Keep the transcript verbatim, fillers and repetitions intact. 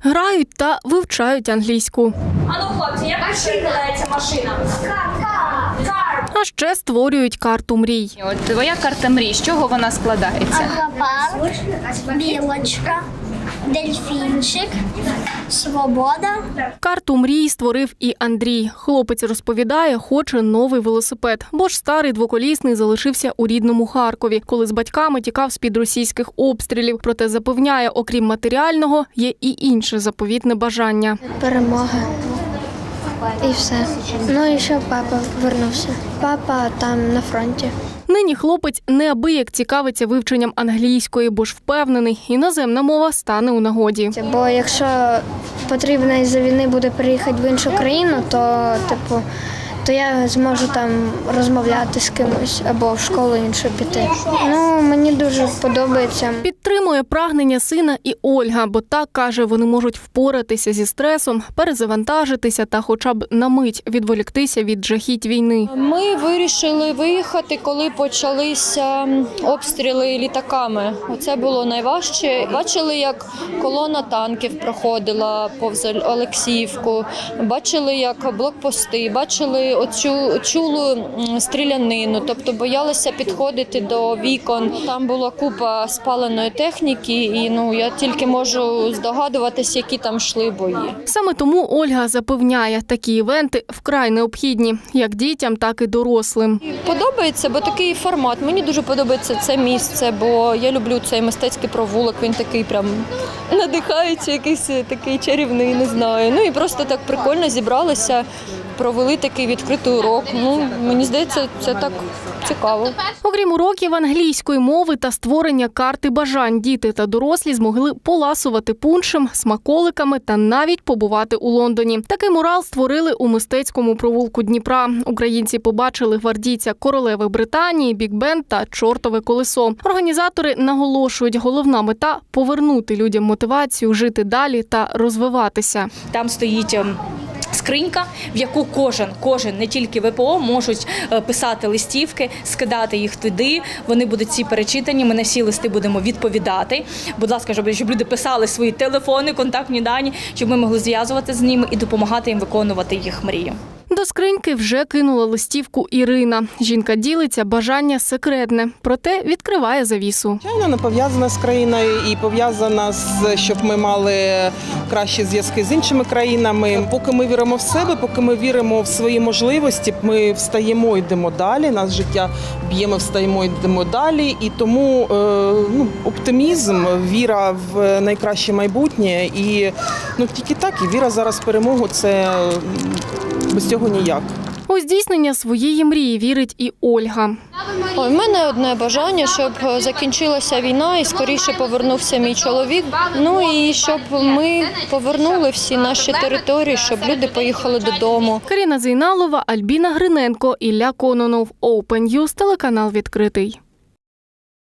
Грають та вивчають англійську. Ану, хлопці, як перекладається машина? Кар. А ще створюють карту мрій. От твоя карта мрій, з чого вона складається? Аквапарк, білочка, дельфінчик, свобода. Карту мрій створив і Андрій. Хлопець розповідає, хоче новий велосипед, бо ж старий двоколісний залишився у рідному Харкові, коли з батьками тікав з-під російських обстрілів. Проте запевняє, окрім матеріального, є і інше заповітне бажання. Перемога. І все. Ну і ще папа повернувся. Папа там на фронті. Нині хлопець неабияк цікавиться вивченням англійської, бо ж впевнений, іноземна мова стане у нагоді. Бо якщо потрібно із-за війни буде переїхати в іншу країну, то типу, то я зможу там розмовляти з кимось або в школу іншу піти. Ну, мені дуже подобається. Підтримує прагнення сина і Ольга, бо так, каже, вони можуть впоратися зі стресом, перезавантажитися та хоча б на мить відволіктися від жахіть війни. Ми вирішили виїхати, коли почалися обстріли літаками. Оце було найважче. Бачили, як колона танків проходила повз Олексіївку, бачили, як блокпости, бачили оцю чулу стрілянину, тобто боялися підходити до вікон. Там була купа спаленої техніки, і ну я тільки можу здогадуватись, які там йшли бої. Саме тому Ольга запевняє, такі івенти вкрай необхідні, як дітям, так і дорослим. Подобається, бо такий формат. Мені дуже подобається це місце, бо я люблю цей мистецький провулок, він такий прям надихається, якийсь такий чарівний, не знаю. Ну і просто так прикольно зібралися, провели такий відкритий урок. Ну, мені здається, це так цікаво. Окрім уроків англійської мови та створення карти бажань, діти та дорослі змогли поласувати пуншем, смаколиками та навіть побувати у Лондоні. Такий мурал створили у мистецькому провулку Дніпра. Українці побачили гвардійця королеви Британії, бік-бенд та чортове колесо. Організатори наголошують, головна мета – повернути людям мотивацію жити далі та розвиватися. Там стоїть скринька, в яку кожен, кожен, не тільки ВПО, можуть писати листівки, скидати їх туди. Вони будуть всі перечитані, ми на всі листи будемо відповідати. Будь ласка, щоб, щоб люди писали свої телефони, контактні дані, щоб ми могли зв'язуватися з ними і допомагати їм виконувати їх мрію. До скриньки вже кинула листівку Ірина. Жінка ділиться, бажання секретне, проте відкриває завісу. Звичайно, не пов'язана з країною і пов'язана з, щоб ми мали кращі зв'язки з іншими країнами. Поки ми віримо в себе, поки ми віримо в свої можливості, ми встаємо, йдемо далі, нас життя б'є, ми встаємо, йдемо далі. І тому ну, оптимізм, віра в найкраще майбутнє і ну, тільки так, і віра зараз в перемогу – це без цього ніяк. У здійснення своєї мрії вірить і Ольга. У мене одне бажання, щоб закінчилася війна і скоріше повернувся мій чоловік. Ну і щоб ми повернули всі наші території, щоб люди поїхали додому. Каріна Зейналова, Альбіна Гриненко, Ілля Кононов. Open News, телеканал відкритий.